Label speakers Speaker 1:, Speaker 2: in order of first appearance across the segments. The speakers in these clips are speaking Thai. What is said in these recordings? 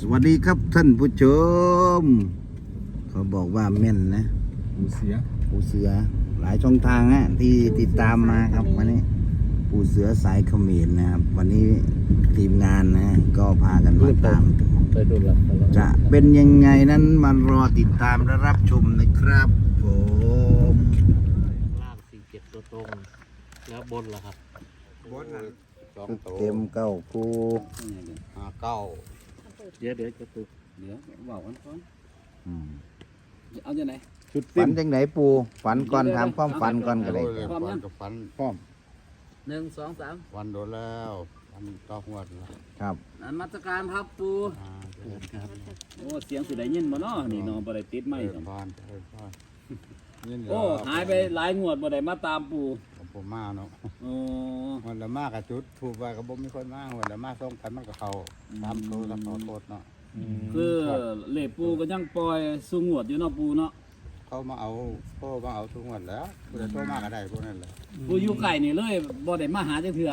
Speaker 1: สวัสดีครับท่านผู้ชมเขาบอกว่าแม่นนะปูเสือหลายช่องทางฮะที่ติดตามมาครับวันนี้ปูเสือสายเขมรนะครับวันนี้ทีมงานนะก็พากันมาตามจะเป็นยังไงนั้นมารอติดตามและรับชมนะครับผม
Speaker 2: ล่าง47ตัวตรงแล้วบนล่ะครับ
Speaker 3: บนนั่น
Speaker 1: เต็มเก้าคู
Speaker 3: เก้า
Speaker 2: เดี๋ยวจะตึก
Speaker 3: เดี๋ยวบอกกันก่อน
Speaker 2: เอาจะไหน
Speaker 1: ฝันจังไหนปูฝันก่อนถามความฝันก่อนก็ได้
Speaker 3: ฝันกับฝัน
Speaker 1: พร้อม
Speaker 2: 1 2 3
Speaker 3: วันโดนแล้ววันต่อหัวแล้ว
Speaker 1: ครับ
Speaker 2: นมัสการครับปูโอ้เสียงสิได้ยินบ่เนาะนี่เนาะบ่ได้ติดไม้
Speaker 3: พานยิน
Speaker 2: โอ้หายไปหลายงวดบ่ได้มาตามปู
Speaker 3: ผมมาเนาะ
Speaker 2: โอ้
Speaker 3: วันละมากกับจุดถูกไปกับบ่มีคนมาวันละมาส่งกันมันกับเขาตามตัวแล้วขอโทษเนาะ
Speaker 2: คือเลขปูก็ยังปล่อยสู่งวดอยู่เนาะปูเนาะ
Speaker 3: เขามาเอาพ่อมาเอาทุกวันแล้วผู้ใดโทรมาก็ได้พวกนั้นแหละ
Speaker 2: ปูอยู่ไกลนี่เลยบ่ได้มาหาจักเทื่อ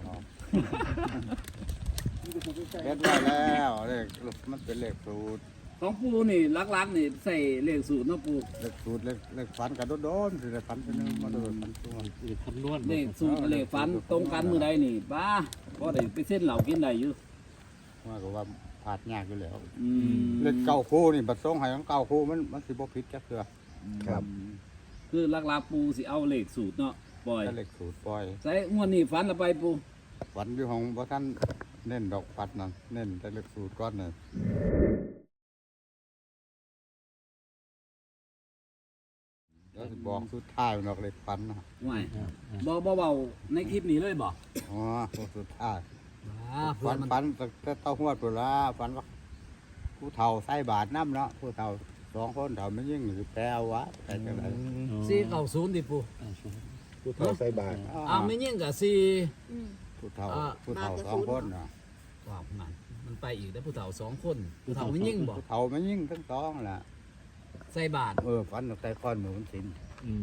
Speaker 3: เล็ดไว้แล้วเลขมันเป็นเลขสูตร
Speaker 2: ของปูนี่ลักๆนี่ใส่เลขสูตรเนาะปู
Speaker 3: เลขสูตรเลขฝันกับโดนสิได้ฝันเป็นมาโดนฝันตัว
Speaker 2: คำนวณเลขสูตรเลขฝันตรงกันมื้อใดนี่บ้าบ่ได้ไปเส้นเหล้ากินได้อยู่
Speaker 3: ว่าก็ว่าผาดยากอยู่แล้ว
Speaker 2: อืม
Speaker 3: เล่นเก้าคู่นี่บัดส่งให้ของเก้าคู่มันสิบ่ผิดจักเทื่อ
Speaker 1: ครับ
Speaker 2: คือลักๆปูสิเอาเลขสูตรเนาะปล่อย
Speaker 3: ถ้าเลขสูตรปล่อย
Speaker 2: ใส่งวดนี้ฝันละไปปู
Speaker 3: ฝันอยู่ของบ่ท่านเน้นดอกปัดนั่นเน้นแต่เลขสูตรก่อนน่ะแล้วสิบอกสุดท้ายมันออกเลขฝันนะ
Speaker 2: ห่วยบ่เว้าในคลิปนี้เลยบ่
Speaker 3: อ๋อตัวสุดท้าย
Speaker 2: เพื่
Speaker 3: ฝั
Speaker 2: อน
Speaker 3: น
Speaker 2: มัน
Speaker 3: ฝันแต่เต้าหัวตัวละฝันว่าผู้เฒ่าใส่บาทน้ำเนาะผู้เฒ่า2คนเฒ่ามันยิ่งสิแปลวะแต่จังได๋
Speaker 2: 490ดิปู
Speaker 1: ผู้เฒ่าใส่บาตร
Speaker 2: อ้าวไม่ยิ่งกับ4
Speaker 3: ผู้เฒ่า2คนเนาะ
Speaker 2: ว้าวมันไปอีกได้ผู้เฒ่า2คนผู้เฒ่าไม่ยิ่งบ่
Speaker 3: ผู้เฒ่ามันยิ่งทั้งสองล่ะ
Speaker 2: ใส่บาท
Speaker 3: ฝันตั้งแต่ก้อนหมูมันสิน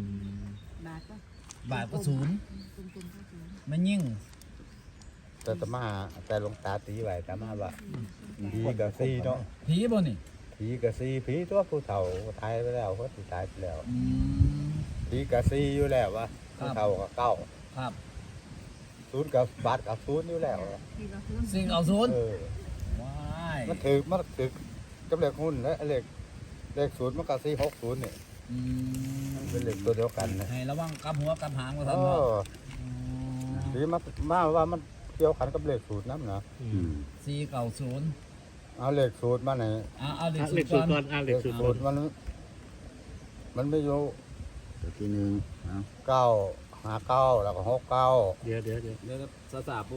Speaker 2: บาทก็ศูนย์ไม่ยิ่ง
Speaker 3: แต่ตมาแต่หลวงตาตีไว้ตมาว่าผีกับซีเนาะ
Speaker 2: ผีบ่นี่
Speaker 3: ผีกับซีผีตัวผู้เฒ่าตายไปแล้วเขาตายไปแล้ว
Speaker 2: อืม
Speaker 3: ผีกับซีอยู่แล้ววะ
Speaker 2: ครับ
Speaker 3: ผู้เฒ่ากับเก้า
Speaker 2: ครับ
Speaker 3: ศูนย์กับบาทกับศูนย์อยู่แล้ว
Speaker 2: 490
Speaker 3: เออ
Speaker 2: ว้าย
Speaker 3: มันถึกกับเลขหุ้นและเลขศูนย์มันกับซี60นี่
Speaker 2: อืม
Speaker 3: มันเป็นเลขตัวเดียวกันนะ
Speaker 2: ให้ระวังกับหัวกับหางว่า
Speaker 3: เอ
Speaker 2: ซั่นเนาะ
Speaker 3: อผีมาว่ามันเกี่ยวขันกับเลขศูนย์น้ำนะ
Speaker 2: 490
Speaker 3: เอาเลขศูนย์มาไหน
Speaker 2: เอาเลข
Speaker 4: เลข
Speaker 2: สู
Speaker 4: สู
Speaker 2: ต
Speaker 4: ต
Speaker 2: ร
Speaker 4: ร
Speaker 2: ก่
Speaker 4: ก่
Speaker 2: อ
Speaker 4: อน นเลขสูตร
Speaker 3: ศูนย์มันไม่อยู่
Speaker 1: ตัวที่หนึ่งเอา
Speaker 3: 9 59แล้วก็69
Speaker 4: เดี๋ยว
Speaker 2: เดี๋ยวซาปู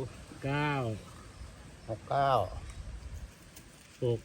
Speaker 4: 9
Speaker 3: 69
Speaker 4: 6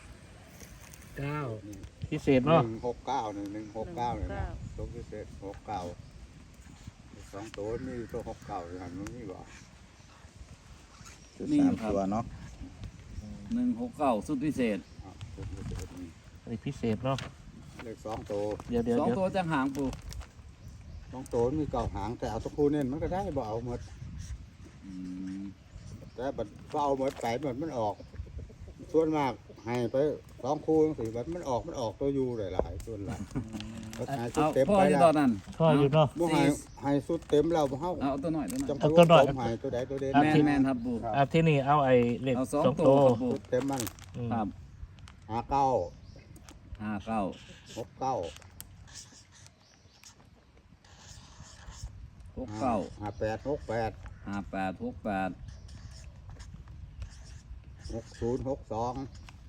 Speaker 4: 9พิเศษเนาะ
Speaker 3: 169นี่169นี่นะตัวพิเศษ69สองตัวมีตัว69อยู่หั่นมันมีบ่
Speaker 1: ชุดสามตัวเนาะ
Speaker 2: 169สุดพิเศษ
Speaker 3: ตัวพิเศษนี่
Speaker 4: อันนี้พิเศษเนาะ
Speaker 3: เลข2ตัว
Speaker 4: เดี๋ยว
Speaker 2: 2ตัวจังหางปู
Speaker 3: 2ตัวมี9หางแต่เอาตัวคู่เน้นมันก็ได้บ่เอาหมด
Speaker 2: อืม
Speaker 3: แต่บัดบ่เอาหมดไปมันออก ส่วนมากให้ไป2คู่จังซี่บัดมันออกตัวอยู่หลายๆส่วนหลายก็หาสุด
Speaker 2: เอา
Speaker 3: เต็ม
Speaker 2: พ่อ
Speaker 3: ไป
Speaker 2: ที่
Speaker 3: แล้
Speaker 2: ตอ
Speaker 3: วน
Speaker 2: นั้น
Speaker 4: ท่ออยู่เนาะ
Speaker 3: บ่ให้สุดเต็มแล้วบ่เฮา
Speaker 2: เอาตัวหน่อย
Speaker 3: จัง
Speaker 4: เอาตัวน้อย
Speaker 3: ผมให้ตัวใดตัวเด่น
Speaker 2: แมนครับปู
Speaker 4: ที่นี่เอาไอ้เลข
Speaker 2: เอา
Speaker 4: สอง
Speaker 2: 2
Speaker 4: ตั
Speaker 2: ตัว
Speaker 4: ว
Speaker 2: ครับปู
Speaker 3: สุดเต็มมัน
Speaker 2: ครับ
Speaker 3: 59
Speaker 2: 59 69
Speaker 3: 58 68
Speaker 2: 58
Speaker 3: 60 62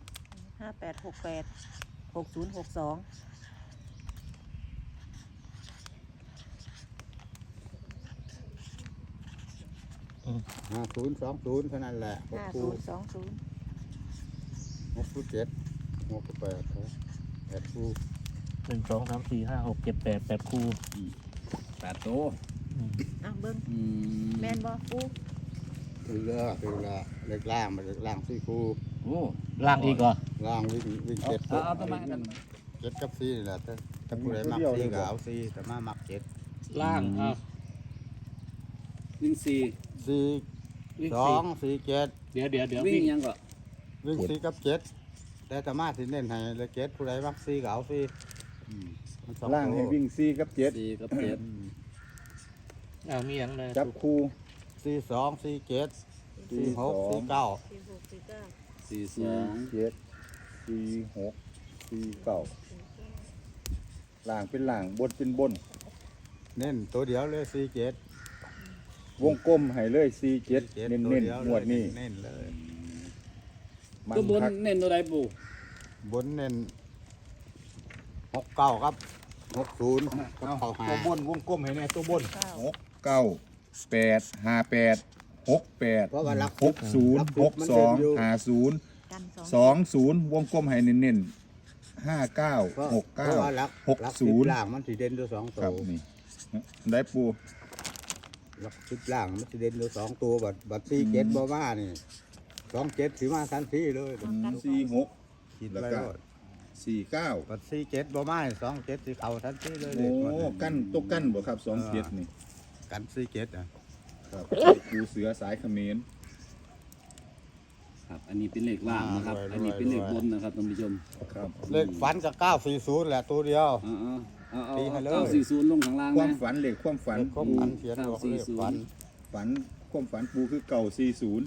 Speaker 5: 5868 6062
Speaker 3: 5020เท่านั้นแหละ6คู่
Speaker 5: 5020
Speaker 3: 67 68 8คู่
Speaker 4: 1 2 3 4 5 6 7 8 8คู่
Speaker 2: 8ตัว
Speaker 5: อ่ะเบิ่ง
Speaker 2: อืม
Speaker 5: แม่นบ่ปู
Speaker 3: คือละเล็กล่างมันเล็กล่าง4คู่
Speaker 2: โอ้
Speaker 4: ล่างอีกเหรอ
Speaker 3: ล่างวิ่ง7
Speaker 2: เอาตัวมากัน
Speaker 3: 7กับ4นี่แหละแต่ผู้ใดมัก4ก็เอา4แต่มามัก7
Speaker 4: ล่างอ่ะ
Speaker 2: วิ่ง4
Speaker 3: 4 2 4 7
Speaker 4: เดี๋ยว
Speaker 2: วิ่
Speaker 4: วิ่
Speaker 2: ง
Speaker 4: ง
Speaker 2: ยังก็
Speaker 3: วิ่ง
Speaker 1: เจ็ด
Speaker 3: 4กับ7แต่ธรรมะสิเน้นให้เลย7ผู้ใดมัก4ก็เอา4มันสอง
Speaker 6: ล่างให้
Speaker 3: ตัว
Speaker 6: วิ่ง4กับ7
Speaker 2: 4กับ7
Speaker 4: อ้าวมีอย่างไร
Speaker 6: จับคู่
Speaker 3: 4 2 4 7 4 6 4 9
Speaker 2: 42
Speaker 6: 7 4 6 4 9ล่างเป็นล่างบนเป็นบน
Speaker 3: เน้นตัวเดียวเลย4 7
Speaker 6: วงกลมให้เลย4 7เน้นๆงวดนี้
Speaker 3: เน้นเลย
Speaker 6: มัน
Speaker 2: ตัวบน
Speaker 6: คัก
Speaker 2: เน้นตัวใดปู่
Speaker 3: บนเน้น69ครับ60กับเข้าหา
Speaker 6: ตัวบนวงกลมให้แน่ตัวบน
Speaker 5: เก้า
Speaker 6: 6 9 8 5 8 6
Speaker 3: เพราะว่ารัก
Speaker 6: 8 6 0 6 2 5 0
Speaker 5: กันสอง
Speaker 6: 2 0วงกลมให้เน้นๆ5 9 6
Speaker 3: เพราะว่า
Speaker 6: 9
Speaker 3: รัก
Speaker 6: 60
Speaker 3: ล่างมันสิเด่นตัว2
Speaker 6: ค
Speaker 3: ตั
Speaker 6: รับ
Speaker 3: ว
Speaker 6: นี่ได้ปู
Speaker 3: รัก10ล่างมันสิเด่นตัว2ตัวบัด4 7บ่มานี่2 7สิมาทันทีเลย
Speaker 6: 4 6
Speaker 3: คิด
Speaker 6: แล้ว
Speaker 3: ไว้
Speaker 6: ก็
Speaker 3: โลด
Speaker 6: 4 9
Speaker 3: บัด4 7บ่มา2 7สิเข้าทันทีเลย
Speaker 6: โอ้กั้นตกกั้นบ่ครับ2เกียรนี่
Speaker 3: กัน4 7อ่ะ
Speaker 6: ครับปูเสือสายเขมร
Speaker 2: ครับอันนี้เป็นเลขล่างนะครับอันนี้เป็นเลขบนนะครับท่านผู้ชม
Speaker 6: ครับ
Speaker 3: เลขฝันกับ940แหละตัวเดียว
Speaker 2: เอา
Speaker 3: ตีให้เลย
Speaker 2: 940ลงข้างล่าง
Speaker 6: ความ
Speaker 2: นะ
Speaker 6: ฝันเลขความฝัน
Speaker 3: เลขความ
Speaker 6: ปู
Speaker 3: ฝันเขียนบอกเลขฝัน
Speaker 6: ฝันความฝันปูคือเก่า40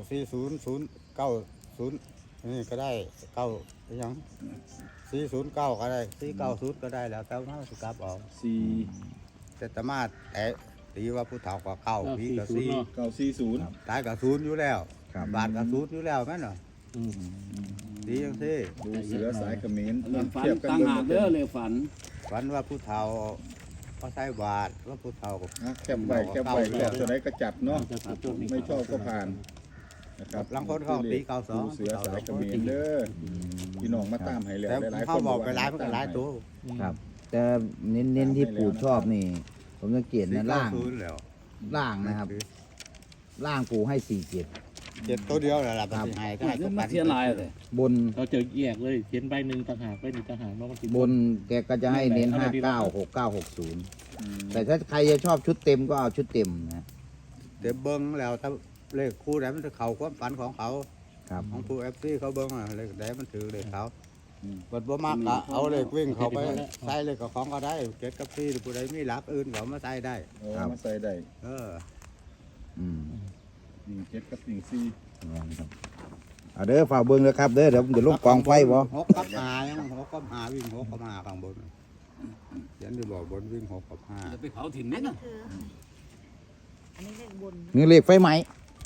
Speaker 3: 940 090นี่ก็ได้9ยัง409ก็ได้490ก็ได้แล้วแต่ว่าสิกลับเอา
Speaker 6: 4
Speaker 3: แต่ตมาแต่ตีว่าผู้เฒ่าก็เก้าพี่ก็สี่
Speaker 6: 940
Speaker 3: ตายก็ศูนย์อยู่แล้ว
Speaker 6: ครับ
Speaker 3: บาทก็ศูนย์อยู่แล้วแม่นเหรอ
Speaker 4: อืม
Speaker 3: ดีจังซี่
Speaker 6: ปูเสือสายเขมร
Speaker 2: เลขฝันต่างหากเด้อเลขฝัน
Speaker 3: ฝันว่าผู้เฒ่าเขาใช้บาทว่าผู้เฒ่าก็
Speaker 6: แคบไว้แล้วตัวไหนก็จัดเนาะ
Speaker 4: จะตัวนี้
Speaker 6: ไม่ชอบก็ผ่านนะครับ
Speaker 3: ลังคนเขาตีเก้าสอง
Speaker 6: ปูเสือสายเขมรเด้อพี่น้องมาตามให้แล้ว
Speaker 3: แต่
Speaker 6: หลายๆค
Speaker 3: เขา
Speaker 6: น
Speaker 3: บอกไปหลายมันก็หลายตัว
Speaker 1: ครับ แต่เน้นๆที่ปู่ชอบนี่ ผมสังเกตนะล่าง
Speaker 3: 490แล้ว
Speaker 1: ล่างนะครับ ล่างปู่ให้4 7
Speaker 3: 7ตัวเดียวแหละล่ะมันสิให้ก็ให้
Speaker 2: เรื่
Speaker 3: ตั
Speaker 2: อ
Speaker 3: ว
Speaker 2: งมา
Speaker 3: กัน
Speaker 2: เทียนลายเลย
Speaker 1: บน
Speaker 4: เราจะแยกเลยเขียนใบหนึ่งต่างหากใบหนึ่งต่างหากเนาะมันสิ
Speaker 1: บนแกก็จะให้เน้น
Speaker 4: อะไรดี
Speaker 1: 59 69 60 แต่ถ้าใครจะชอบชุดเต็มก็เอาชุดเต็มนะ
Speaker 3: เดี๋ยวเบิ้งแล้วถ้าเลขคู่ไหนมันจะเข้าความฝันของเขา
Speaker 1: ครับ
Speaker 3: ของผู้ FC เขาเบิ้งอะเลขไหนมันถือเลขเขาบัดบ่มากก็เอาเลขวิ่งเข้าไปใส่เลขกับของก็ได้เก็ดกับซี่ผู้ใดมีหลักอื่นก็เอามาใส่ได้
Speaker 6: โอ้มาใส่ได้
Speaker 3: เออ
Speaker 1: อืม
Speaker 6: 17กับ14
Speaker 1: ครับเอาเด้อฝากเบิ่งเลยครับเด้อเดี๋ยวลงกองไฟบ่
Speaker 3: หกกับหายังหกกับหาวิ่งหกกับหาข้างบนเขียันที่บอกบนวิ่งหกกับห้า
Speaker 2: จะไปเผาถิ่น
Speaker 5: อั
Speaker 2: นี่
Speaker 5: นนี้
Speaker 2: นะ
Speaker 5: คืออันนี้เลขบน
Speaker 1: นี่เลขไฟไหม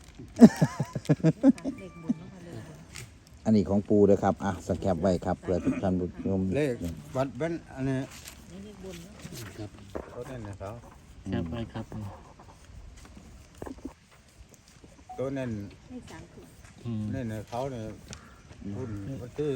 Speaker 5: เลขบนนะคะเลขบน
Speaker 1: อันนี้ของปูเด้อครับ อ่ะสแคปไว้ครับเพื่อทุกท่านผู้ชม
Speaker 3: เลขบัดเป็นอันนี้
Speaker 5: นี่เลขบนเนาะ
Speaker 3: ตัวนี้นะเขา
Speaker 4: แค่ไปครับ
Speaker 3: ตัวนี้
Speaker 5: เลข3คือ
Speaker 4: อืม
Speaker 3: นี่เนี่ยเขาเนี่ยรุ่นวันที่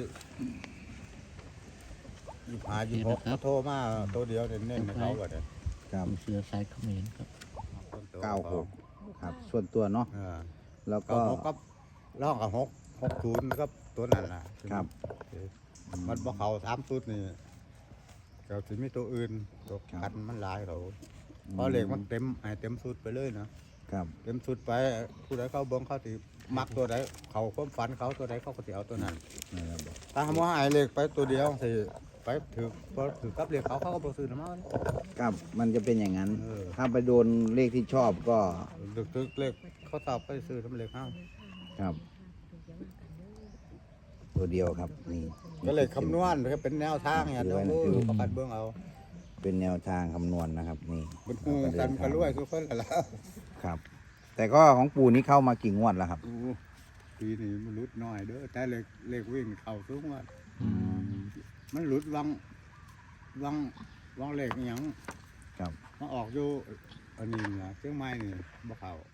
Speaker 3: 26เขาโทรมาตัวเดียวเน้นๆให้เขาก็ได้
Speaker 1: ครับ
Speaker 4: ปูเสือสายเขมรครับ
Speaker 1: 96ครับ ส่วนตัวเนาะ
Speaker 3: เออ
Speaker 1: แล้ว
Speaker 3: ก็
Speaker 1: ก็
Speaker 3: หกกับร่องกับ60กับตัวนั้นน่ะ
Speaker 1: ครับ
Speaker 3: มันบ่เขา3ชุดนี่ก็สิมีตัวอื่นตัวกันมันหลายเขาเพราะเลขมันเต็มให้เต็มชุดไปเลยนะครับ เต็มชุดไปผู้ใดเขาเบิ่งเขาสิมักตัวใดเขาความฝันเขาตัวใดเขาก็สิเอาตัวนั้น
Speaker 1: นะครับ
Speaker 3: ถ้าหาว่าให้เลขไปตัวเดียวสิไปถือบ่ถือกับเลขเขาก็บ่ซื้อน้ำมัน
Speaker 1: ครับมันจะเป็นอย่างนั้น
Speaker 3: เออ
Speaker 1: ถ้าไปโดนเลขที่ชอบก็
Speaker 3: ถือเลขเขาตอบไปซื้อน้ำเลขเฮา
Speaker 1: ครับ ตัวเดียวครับนี่
Speaker 3: ก็เลขคำนวณก็เป็นแนวทางเนี่ยเด้อประกันเบิ่งเอา
Speaker 1: เป็นแนวทางคำนวณนะครับ นี่
Speaker 3: มันฮู้กันก็รวยทุกคนล่ะ
Speaker 1: ครับ แต่ก็ของปู่นี้เข้ามากี่งวดแล้วครับ
Speaker 3: ปีนี้มันหลุดน้อยเด้อแต่เลขวิ่งเข้าสูงว่า
Speaker 1: อืม
Speaker 3: มันหลุดวังเลขอหยัง
Speaker 1: ครับ
Speaker 3: มาออกอยู่อันนี้ล่ะเชียงใหม่นี่บ่เข้า